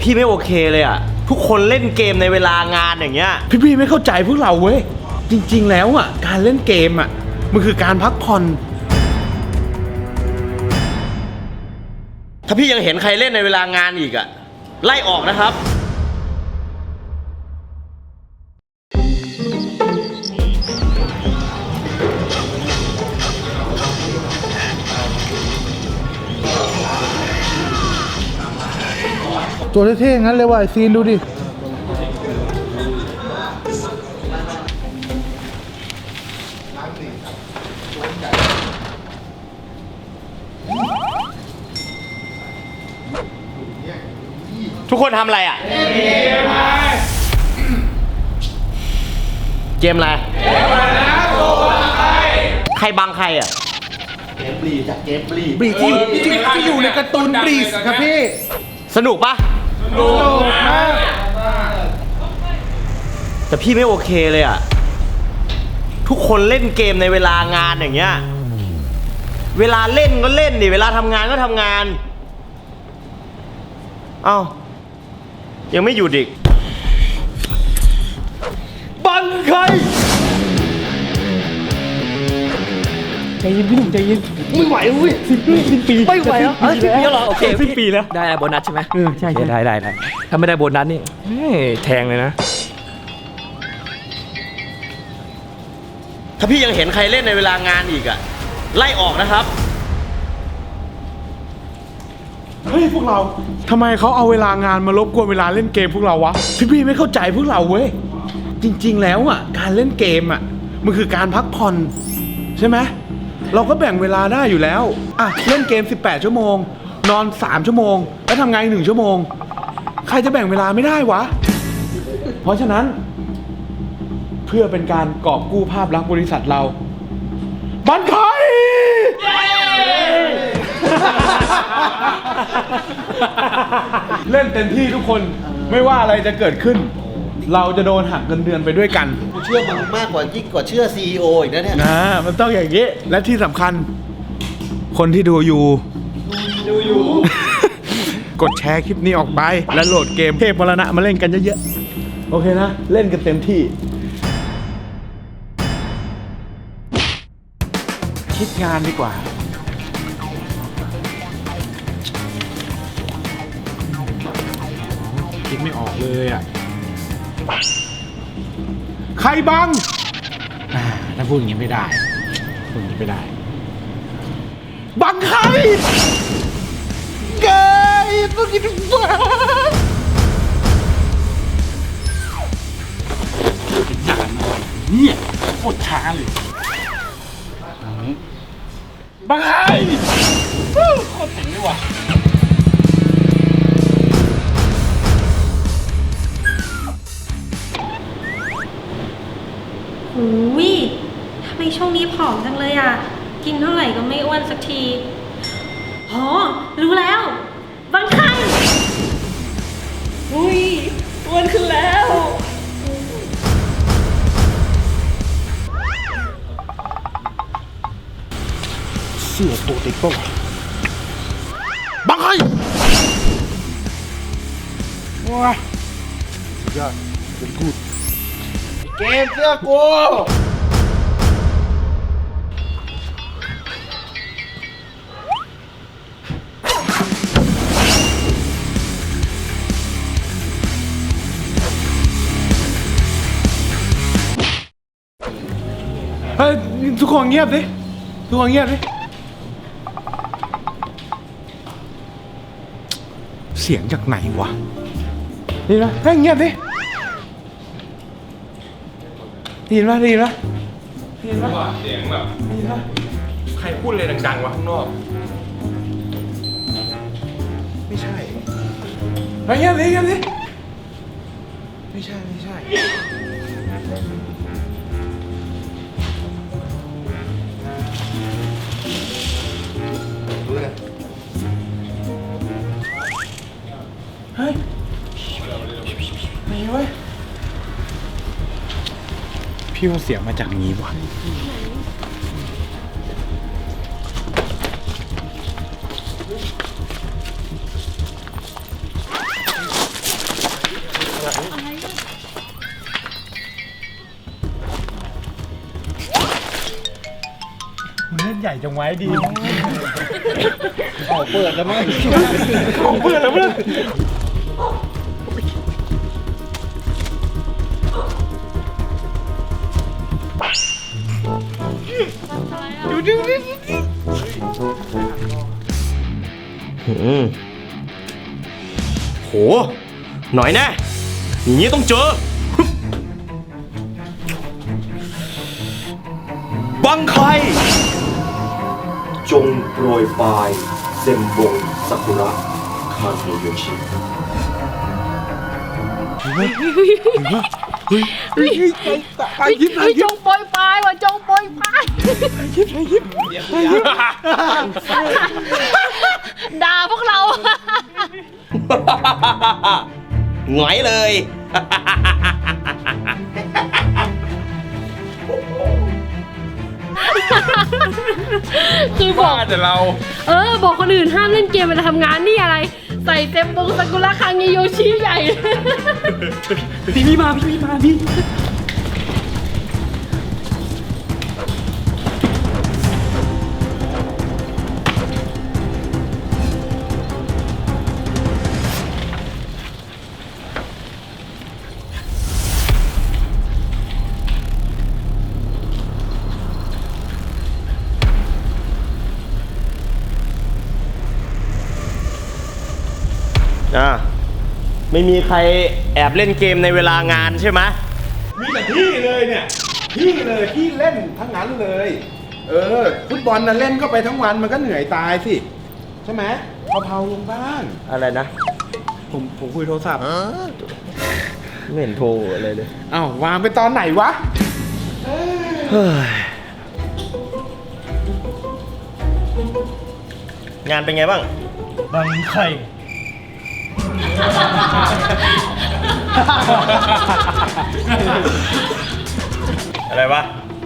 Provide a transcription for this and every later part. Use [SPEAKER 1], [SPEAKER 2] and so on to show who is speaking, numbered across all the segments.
[SPEAKER 1] พี่ไม่โอเคเลยอ่ะทุกคนเล่นเกมในเวลางานอย่างเงี้ย
[SPEAKER 2] พี่ไม่เข้าใจพวกเราเว้ยจริงๆแล้วอ่ะการเล่นเกมอ่ะมันคือการพักผ่อน
[SPEAKER 1] ถ้าพี่ยังเห็นใครเล่นในเวลางานอีกอ่ะไล่ออกนะครับ
[SPEAKER 2] ตัวเท่ๆงั้นเลยว่ะไอซีนดูดิ
[SPEAKER 1] ทุกคนทำอะไรอ่ะเกมอะไรใครบังใครอ่ะ
[SPEAKER 2] บรีที่อยู่ในการ์ตูนบรีสครับพี่
[SPEAKER 1] สนุกปะสนุกมากแต่พี่ไม่โอเคเลยอ่ะทุกคนเล่นเกมในเวลางานอย่างเงี้ยเวลาเล่นก็เล่นดิเวลาทำงานก็ทำงานเอ้ายังไม่หยุดอีกบังใคร
[SPEAKER 2] ใจเย็นพี่หนุ่มใจเย็นไม่ไหวเว้ยสิ้นปี
[SPEAKER 1] ไม่ไหวแล้วสิ้นปีแล้วเหรอโอเค
[SPEAKER 2] สิ้นปีแล้ว
[SPEAKER 3] ได้โบนัสใช่ไหม
[SPEAKER 2] ใช่ได้
[SPEAKER 3] ถ้าไม่ได้โบนัสนี่แทงเลยนะ
[SPEAKER 1] ถ้าพี่ยังเห็นใครเล่นในเวลางานอีกอะไล่ออกนะครับ
[SPEAKER 2] เฮ้ยพวกเราทำไมเขาเอาเวลางานมารบกวนเวลาเล่นเกมพวกเราวะพี่ไม่เข้าใจพวกเราเว้ยจริงๆแล้วอ่ะการเล่นเกมอ่ะมันคือการพักผ่อนใช่ไหมเราก็แบ่งเวลาได้อยู่แล้วอ่ะเล่นเกม18ชั่วโมงนอน3ชั่วโมงแล้วทำงานอีก1ชั่วโมงใครจะแบ่งเวลาไม่ได้วะเพราะฉะนั้นเพื่อเป็นการกอบกู้ภาพลักษณ์บริษัทเราบันไคเล่นเต็มที่ทุกคนไม่ว่าอะไรจะเกิดขึ้นเราจะโดนหักเงินเดือนไปด้วยกัน
[SPEAKER 4] กูเชื่อมึงมากกว่ายิ่งกว่าเชื่อ CEO อีกนะเนี่ย
[SPEAKER 2] มันต้องอย่างนี้และที่สำคัญคนที่ดูอยู่ กดแชร์คลิปนี้ออกไปและโหลดเกมเทพมรณะมาเล่นกันเยอะๆโอเคนะเล่นกันเต็มที่คิดงานดีกว่าคิดไม่ออกเลยอ่ะใครบังถ้าพูดอย่างนี้ไม่ได้พูดอย่างนี้ไม่ได้บังใครเกย์ต้องกินบ้าจานเนี่ยโคตรช้าเลยบังใครโคตรเจ๋งเลยว่ะ
[SPEAKER 5] อุ้ยทำไมช่วงนี้ผอมจังเลยอ่ะกินเท่าไหร่ก็ไม่อ้วนสักทีอ๋อรู้แล้วบังคันอุ้ยอ้วนขึ้นแล้ว
[SPEAKER 2] เสื้อโปเตโต้บังใครว้าสุดยอดเป็นกูด
[SPEAKER 4] เกมเสื้อกู
[SPEAKER 2] เฮ้ยทุกคนเงียบดิทุกคนเงียบดิเสียงจากไหนวะนี่นะเฮ้ยเงียบดิได้ยินปะได้ยินปะได้ยินปะเสียงแบบได้ยินปะใครพูดอะไรดังๆวะข้างนอกไม่ใช่เฮ้ยเงียบดิเงียบดิไม่ใช่เฮ้ยไม่เว้ยพี่ว่าเสียงมาจากนี้วะใหญ่จังไว้ดี
[SPEAKER 4] เปิดแล้วมั้ง
[SPEAKER 2] ของเพื่อนแล้วเพื่อนดู
[SPEAKER 1] โห หน่อยแน่อย่างนี้ต้องเจอ บังไคจงโปรยปลายเซมบงซากุระคาเนโยชิ
[SPEAKER 2] ไปยิบไปยิบ
[SPEAKER 6] จงโปรยปลายว่ะจงโปรยปลายด่าพวกเรา
[SPEAKER 1] หงอยเลย
[SPEAKER 6] คือบอก
[SPEAKER 2] แต่เรา
[SPEAKER 6] บอกคนอื่นห้ามเล่นเกมเวลาทำงานนี่อะไร ใส่เต็มบงซากุระคังเงโยชิใหญ่
[SPEAKER 3] พี่มาพี่
[SPEAKER 1] ไม่มีใครแอบเล่นเกมในเวลางานใช่ไหม
[SPEAKER 2] มีแต่พี่เลยเนี่ยพี่เลยพี่เล่นทั้งนั้นเลย ฟุตบอลน่ะเล่นก็ไปทั้งวันมันก็เหนื่อยตายสิใช่ไหมเผาๆลงบ้าง
[SPEAKER 1] อะไรนะ
[SPEAKER 2] ผมคุยโทรศัพท์
[SPEAKER 1] ไม่เห็นโทรอะไรเลย
[SPEAKER 2] อ้าววางไปตอนไหนวะ
[SPEAKER 1] งานเป็นไงบ้าง
[SPEAKER 3] บังไข่
[SPEAKER 1] อะไรวะ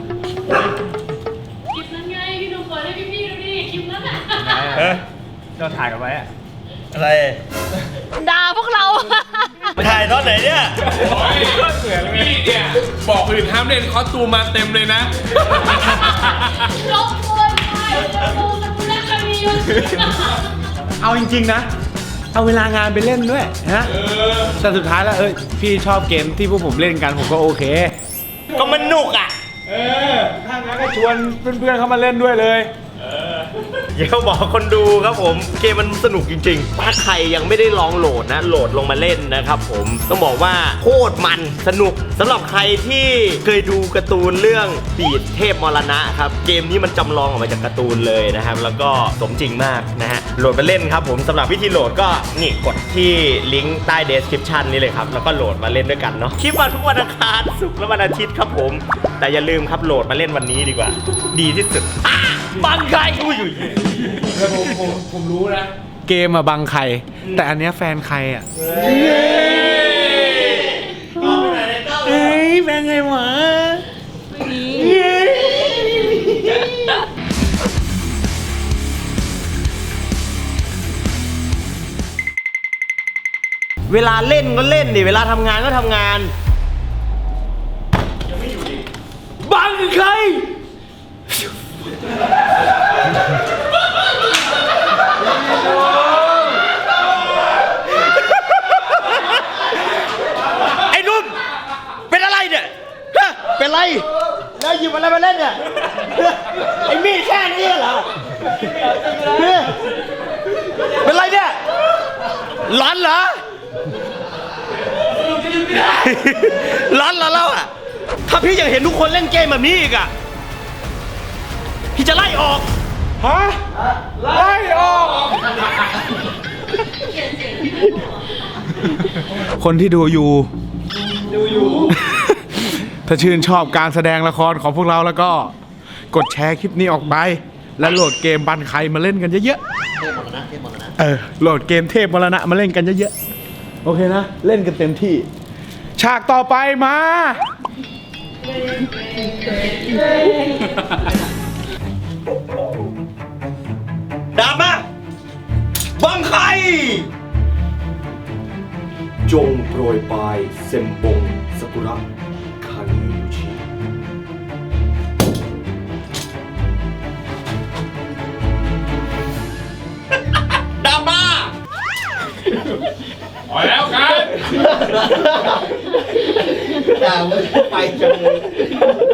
[SPEAKER 6] คลิปนั้นไงพี่ดูเปิดให้พี่ๆดูดิคลิปนั้นอ่ะ
[SPEAKER 1] เฮ้ย
[SPEAKER 3] เราถ่ายกันไว้อะ
[SPEAKER 1] อะไร
[SPEAKER 6] ด่าพวกเรา
[SPEAKER 1] ถ่ายตอนไหนเนี่ย
[SPEAKER 7] พี่เนี่ยบอกอื่นห้ามเล่นคอสตูมมาเต็มเลยนะ
[SPEAKER 6] ลบโปรยปลายจงบงซากุระคังเงโยชิ
[SPEAKER 2] เอาจริงๆนะ เอาเวลางานไปเล่นด้วยนะแต่สุดท้ายแล้วพี่ชอบเกมที่พวกผมเล่นกันผมก็โอเค
[SPEAKER 1] ก็มันหนุกอ่ะ
[SPEAKER 2] ถ้างั้นก็ชวนเพื่อนๆเข้ามาเล่นด้วยเลย
[SPEAKER 1] เดี๋ยวบอกคนดูครับผม เกมมันสนุกจริงๆ ถ้าใครยังไม่ได้ลองโหลดนะ โหลดลงมาเล่นนะครับผม ต้องบอกว่าโคตรมันสนุกสำหรับใครที่เคยดูการ์ตูนเรื่องบีดเทพมรณะครับ เกมนี้มันจำลองออกมาจากการ์ตูนเลยนะครับ แล้วก็สมจริงมากนะฮะ โหลดมาเล่นครับผมสำหรับวิธีโหลดก็นี่กดที่ลิงก์ใต้ description นี่เลยครับ แล้วก็โหลดมาเล่นด้วยกันเนาะ คลิปวันทุกวันอังคารศุกร์และวันอาทิตย์ครับผม แต่อย่าลืมครับโหลดมาเล่นวันนี้ดีกว่า ดีที่สุดบังไกอุ้ย
[SPEAKER 2] ผมรู้นะ เกมอะบังใคร แต่อันเนี้ยแฟนใครอะเอ้ยแฟนไงวะ
[SPEAKER 1] เวลาเล่นก็เล่นดิเวลาทำงานก็ทำงาน บังใคร ไอ้นุ่มเป็นอะไรเนี่ยฮะเป็นไรแล้วหยิบอะไรมาเล่นเนี่ยไอ้มีดแค่นี้เหรอเป็นไรเนี่ยร้อนเหรอร้อนเหรอเราอะถ้าพี่ยังเห็นทุกคนเล่นเกมแบบนี้อีกอะพี่จะไล่ออก
[SPEAKER 2] ฮะ ไล่ออก คนที่ดูอยู่ ถ้าชื่นชอบการแสดงละครของพวกเราแล้วก็ กดแชร์คลิปนี้ออกไป และโหลดเกมบันใครมาเล่นกันเยอะ
[SPEAKER 4] เทพหมดแล้วนะเทพหมดแล้วนะ
[SPEAKER 2] ๆโหลดเกมเทพมรณะมาเล่นกันเยอะๆ โอเคนะ เล่นกันเต็มที่ ฉากต่อไปมา
[SPEAKER 1] ดาบมาบังใครจงโปรยปลายเซมบงซากุระคาเนโยชิ
[SPEAKER 7] พอแล้วกัน
[SPEAKER 4] ด่ามึงไปจังเลย